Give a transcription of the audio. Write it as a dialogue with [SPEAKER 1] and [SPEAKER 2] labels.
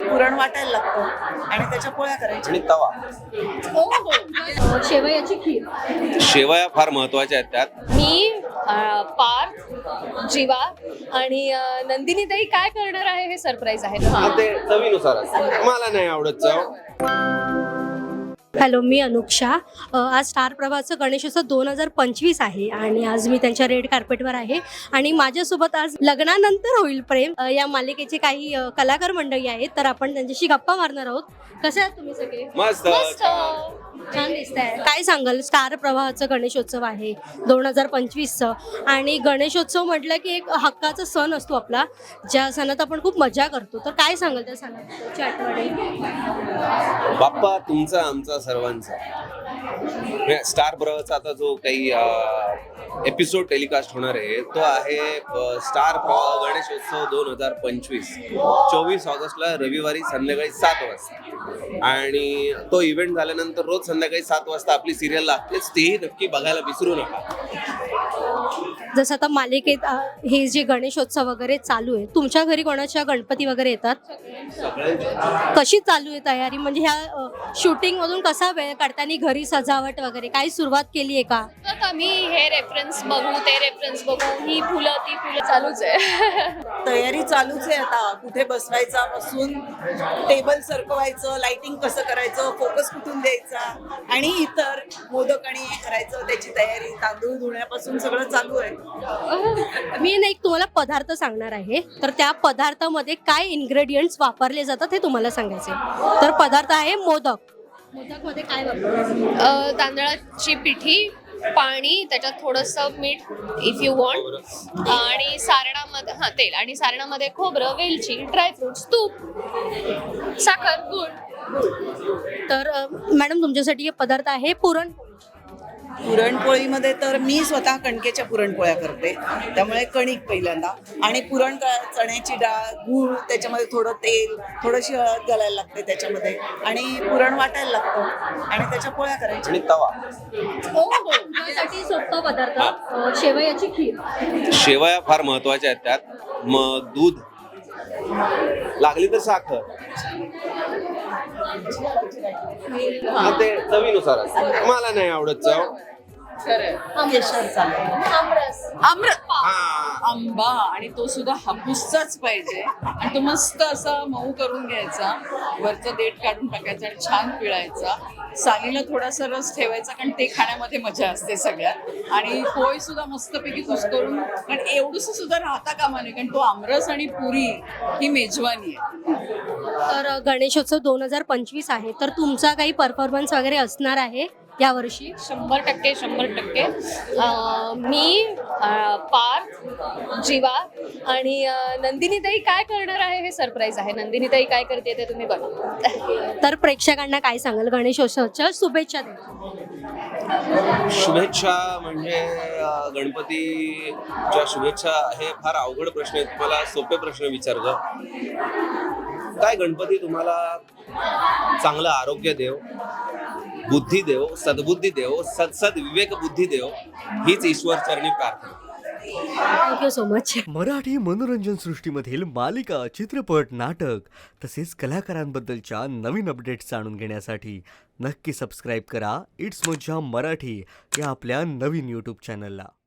[SPEAKER 1] पुरण वाटायला लागतं आणि त्याच्या पोळ्या करायच्या.
[SPEAKER 2] आणि तवा.
[SPEAKER 3] शेवयाची खीर.
[SPEAKER 2] शेवया फार महत्वाच्या आहेत त्यात.
[SPEAKER 3] मी पार्थ, जीवा आणि नंदिनी ताई काय करणार आहे हे सरप्राईज आहे.
[SPEAKER 2] ते चवीनुसार असतं. मला नाही आवडत चव.
[SPEAKER 4] हॅलो, मी अनुक्षा. आज स्टार प्रवाहाचं गणेशोत्सव 2025 आहे आणि आज मी त्यांच्या रेड कार्पेटवर आहे आणि माझ्यासोबत आज लग्नानंतर होईल प्रेम या मालिकेचे काही कलाकार मंडळी आहेत, तर आपण त्यांच्याशी गप्पा मारणार आहोत. कसे आहात तुम्ही सगळे?
[SPEAKER 2] मस्त.
[SPEAKER 4] छान दिसतंय. काय सांगाल, स्टार प्रवाहाचं गणेशोत्सव आहे 2025चं आणि गणेशोत्सव म्हटलं की एक हक्काचा सण असतो आपला, ज्या सणात आपण खूप मजा करतो. तर काय सांगाल त्या सणाची आठवणी?
[SPEAKER 2] बाप्पा तुमचा आमचा सर्वांचा. स्टार प्रवाहाचा आता जो काही एपिसोड टेलिकास्ट होणार आहे तो आहे स्टार प्रवाह गणेशोत्सव 2025 24 ऑगस्टला रविवारी संध्याकाळी 7 वाजता. आणि तो इव्हेंट झाल्यानंतर रोज संध्याकाळी 7 वाजता आपली सिरियल लागतेच, तेही नक्की बघायला विसरू नका.
[SPEAKER 4] जसं आता मालिकेत हे जे गणेशोत्सव वगैरे चालू आहे, तुमच्या घरी कोणाच्या गणपती वगैरे येतात? कशी चालू आहे तयारी? म्हणजे ह्या शूटिंग मधून कसा वेळ काढताना घरी सजावट वगैरे काही सुरुवात केली आहे का?
[SPEAKER 3] आम्ही हे रेफरन्स बघू, ते रेफरन्स बघू, ही फुलं ती फुलं चालूच आहे.
[SPEAKER 1] तयारी चालूच आहे आता. कुठे बसवायचा पासून टेबल सरकवायचं, लाइटिंग कसं करायचं, फोकस कुठून द्यायचा आणि इतर मोदक आणि हे करायचं, त्याची तयारी तांदूळ धुण्यापासून सगळं चालू आहे.
[SPEAKER 4] मी एक तुम्हाला पदार्थ सांगणार आहे, तर त्या पदार्थामध्ये काय इन्ग्रेडियंट्स वापरले जातात हे तुम्हाला सांगायचे. तर पदार्थ आहे मोदक. मोदकमध्ये काय वापरतात?
[SPEAKER 3] तांदळाची पिठी, पाणी, त्याच्यात थोडंसं मीठ इफ यू वॉन्ट, आणि सारणामध्ये तेल, आणि सारणामध्ये खोबरं, वेलची, ड्रायफ्रुट्स, तूप, साखर, गूळ.
[SPEAKER 4] तर मॅडम तुमच्यासाठी हे पदार्थ आहे पुरणपोळी.
[SPEAKER 1] पुरणपोळीमध्ये तर मी स्वतः कणकेच्या पुरणपोळ्या करते, त्यामुळे कणिक पहिल्यांदा आणि चण्याची डाळ, गूळ, त्याच्यामध्ये थोडं तेल, थोडीशी हळद घालायला लागते त्याच्यामध्ये आणि पुरण वाटायला लागतं आणि त्याच्या पोळ्या करायच्या.
[SPEAKER 2] आणि तवा.
[SPEAKER 4] त्यासाठी सोपा पदार्थ शेवयाची खीर.
[SPEAKER 2] शेवया फार महत्वाच्या आहेत त्यात. मग दूध, लागली तर साखर. ते चवीनुसार असतं. मला नाही आवडत चव.
[SPEAKER 1] केशर चालतं.
[SPEAKER 5] आंबा, आणि तो सुद्धा हापूसचाच पाहिजे आणि तो मस्त असा मऊ करून घ्यायचा, वरचं देठ काढून टाकायचं आणि छान पिळायचा. सालीला थोडासा रस ठेवायचा, कारण ते खाण्यामध्ये मजा असते सगळ्यात. आणि पोळी सुद्धा मस्तपैकी कुस्करून, कारण एवढंसं सुद्धा राहता कामा नये, कारण तो आमरस आणि पुरी ही मेजवानी आहे.
[SPEAKER 4] तर गणेशोत्सव 2025 आहे, तर तुमचा काही परफॉर्मन्स वगैरे असणार आहे यावर्षी?
[SPEAKER 3] 100%. मी पार्थ, जीवा आणि नंदिनी ताई काय करणार आहे हे सरप्राईज आहे. नंदिनी ताई काय करते ते तुम्ही बघा.
[SPEAKER 4] तर प्रेक्षकांना काय सांगाल गणेशोत्सवाच्या शुभेच्छा द्या.
[SPEAKER 2] शुभेच्छा म्हणजे गणपतीच्या शुभेच्छा हे फार अवघड प्रश्न आहेत. तुम्हाला सोपे प्रश्न विचारतो. काय गणपती तुम्हाला चांगलं आरोग्य देव, बुद्धी देव, सद्बुद्धी देव, सद विवेक बुद्धी देव, हीच ईश्वर चरणी प्रार्थना.
[SPEAKER 4] Thank you so much.
[SPEAKER 6] मराठी मनोरंजन सृष्टीमधील मालिका, चित्रपट, नाटक तसेच कलाकारांबद्दलच्या नवीन अपडेट्स जाणून घेण्यासाठी नक्की सबस्क्राईब करा इट्स मज्जा मराठी या आपल्या नवीन यूट्यूब चॅनलला.